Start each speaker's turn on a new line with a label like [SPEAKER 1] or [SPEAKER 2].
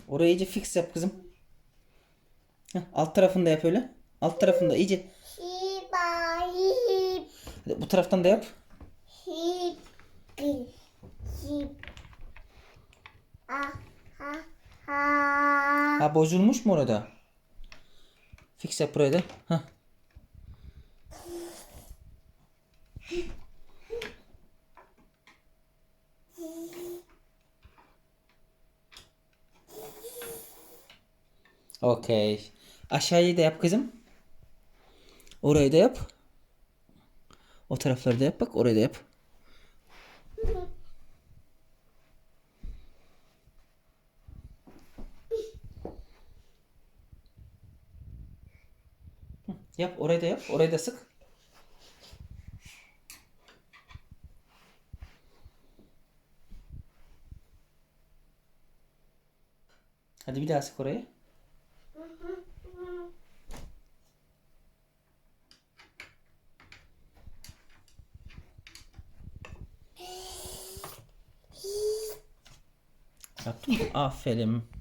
[SPEAKER 1] Orayı iyice fix yap kızım. Heh, alt tarafını da yap öyle. Alt tarafını da iyice.
[SPEAKER 2] Hiba hip
[SPEAKER 1] Hadi bu taraftan da yap.
[SPEAKER 2] hip hip. Ah ha ha.
[SPEAKER 1] Ha, bozulmuş mu orada? Fix yap burayı da. Heh. Okey. Aşağıyı da yap kızım. Orayı da yap. O tarafları da yap, bak orayı da yap. Yap, orayı da yap. Orayı da sık. Hadi bir daha sık orayı. Yaptın mı? Aferin.